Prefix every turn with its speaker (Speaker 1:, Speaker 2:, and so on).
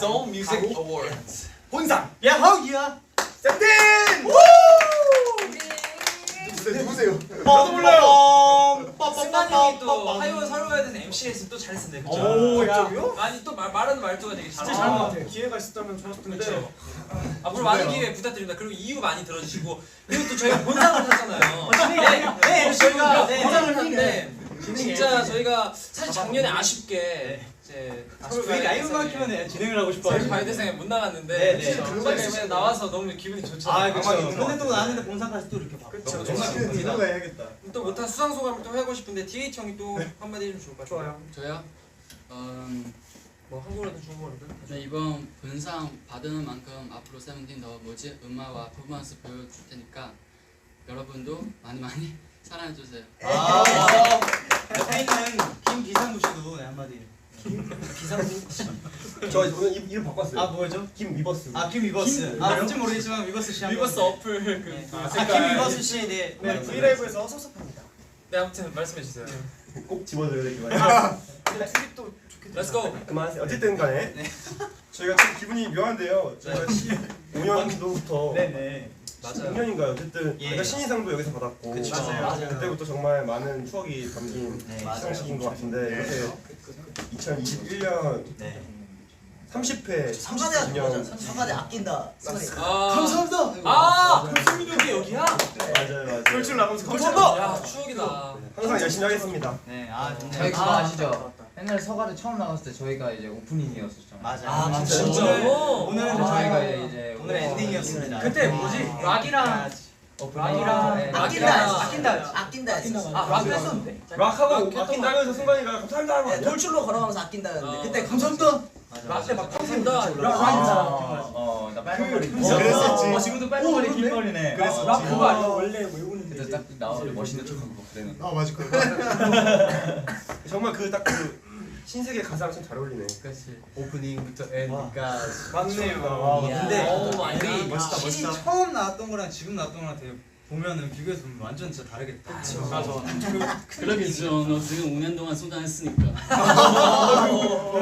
Speaker 1: Seoul Music Awards.
Speaker 2: 본상
Speaker 3: 야하우야.
Speaker 2: 세븐틴. 누구세요?
Speaker 3: 저도 몰라요.
Speaker 1: 승관이 또 하이원 서로에 대한 MC에서 또 잘했었네. 그쵸?
Speaker 3: 오, 야.
Speaker 1: 아니 또 말하는 말투가 되게
Speaker 3: 진짜
Speaker 1: 잘한
Speaker 3: 잘한
Speaker 1: 것
Speaker 3: 것
Speaker 1: 같아.
Speaker 3: 같아. 기회가 있었다면 좋았을 텐데.
Speaker 1: 그렇죠. 앞으로 많은 기회 부탁드립니다. 그리고 이유 많이 들어주시고 그리고 또 저희가 본상을 탔잖아요.
Speaker 3: 네,
Speaker 1: 저희가
Speaker 3: 네,
Speaker 1: 본상을
Speaker 3: 네.
Speaker 1: 탔는데 진짜 저희가 사실 작년에 아쉽게 이제
Speaker 3: 저희 라이브만큼은 진행을 하고 싶어요.
Speaker 1: 저희 바이대상에 못 나갔는데
Speaker 3: 네, 네.
Speaker 1: 저희가 이번에 나와서 너무 기분이 좋잖아요.
Speaker 3: 아, 그렇죠. 근데 또 나왔는데 본상까지 또 이렇게 봐.
Speaker 1: 그렇죠.
Speaker 3: 정말
Speaker 1: 정말
Speaker 3: 기쁩니다.
Speaker 2: 해야겠다.
Speaker 1: 또 못한 수상 소감을 또 하고 싶은데 DH 형이 또 한마디 해주면 좋을 것 같아요.
Speaker 3: 좋아요.
Speaker 4: 저요?
Speaker 1: 뭐 한국어든 중국어든.
Speaker 4: 네, 이번 본상 받은 만큼 앞으로 세븐틴 더 뭐지 음악과 퍼포먼스 보여줄 테니까 여러분도 많이 사랑해주세요.
Speaker 3: 아, 옆에 있는 김기상구 씨도 네, 한마디.
Speaker 2: 저 오늘 이름 바꿨어요.
Speaker 3: 아, 뭐죠?
Speaker 2: 김위버스.
Speaker 3: 아, 김위버스. 아, 뭔지 모르겠지만 위버스 씨.
Speaker 1: 위버스 어플 그
Speaker 3: 네.
Speaker 1: 색깔.
Speaker 3: 김위버스 씨, 네.
Speaker 2: 네, 브이라이브에서 섭섭합니다.
Speaker 1: 네 아무튼 말씀해 주세요.
Speaker 2: 꼭 집어줘야 될 것 같아요.
Speaker 3: 트립도 좋겠다.
Speaker 1: Let's go.
Speaker 2: 그만하세요. 어쨌든 간에 저희가 좀 기분이 묘한데요. 저희가 15년도부터
Speaker 3: 네네.
Speaker 2: 16년인가요? 어쨌든
Speaker 3: 예.
Speaker 2: 저희가 신인상도 여기서 받았고
Speaker 3: 그쵸. 맞아요.
Speaker 2: 그때부터 정말 많은 추억이 담긴
Speaker 3: 네,
Speaker 2: 시상식인 것 같은데
Speaker 3: 네.
Speaker 2: 이렇게 2021년
Speaker 3: 네.
Speaker 2: 30회
Speaker 5: 상관에
Speaker 2: 30주년
Speaker 5: 상관에 아낀다.
Speaker 1: 감사합니다. 아 금승민이 여기야?
Speaker 2: 맞아요.
Speaker 3: 돌출 나가면서
Speaker 1: 감사합니다. 야 추억이다.
Speaker 2: 항상 열심히 하겠습니다.
Speaker 3: 네, 아,
Speaker 6: 저희 그거 아시죠? 옛날 서가를 처음 나갔을 때 저희가 이제 오프닝이었었잖아요.
Speaker 3: 맞아.
Speaker 5: 아,
Speaker 1: 진짜요?
Speaker 3: 오늘은
Speaker 6: 근데 저희가 이제
Speaker 3: 오늘 엔딩이었습니다.
Speaker 1: 그때 뭐지? 락이랑
Speaker 6: 락이랑
Speaker 1: 네.
Speaker 5: 아낀다.
Speaker 1: 락 했었는데.
Speaker 2: 락하고 아낀다면서 순간이가 감사합니다 하고
Speaker 5: 네, 돌출로 걸어가면서 아낀다는데
Speaker 1: 아,
Speaker 5: 그때 감사합니다.
Speaker 1: 락때 막 감사합니다.
Speaker 6: 나 빨간 머리.
Speaker 2: 그랬었지.
Speaker 6: 지금도 빨간 머리 긴 머리네.
Speaker 2: 그랬었지.
Speaker 1: 락 그거 아니야? 원래 외우는
Speaker 6: 그때 딱 나오는데 멋있는 척하고 막 그래는.
Speaker 2: 아 맞을 거야. 정말 그 딱 그 신세계 가사랑 참 잘 어울리네.
Speaker 6: 그렇지. 오프닝부터 엔딩까지.
Speaker 3: 맞네요.
Speaker 5: 근데
Speaker 1: 우리
Speaker 3: 멋있다, 멋있다. 처음 나왔던 거랑 지금 나왔던 거랑 되게 보면은 비교해서 보면 완전 진짜 다르겠다.
Speaker 1: 그쵸.
Speaker 3: 맞아.
Speaker 4: 그러겠죠. 너 지금 5년 동안 소장했으니까.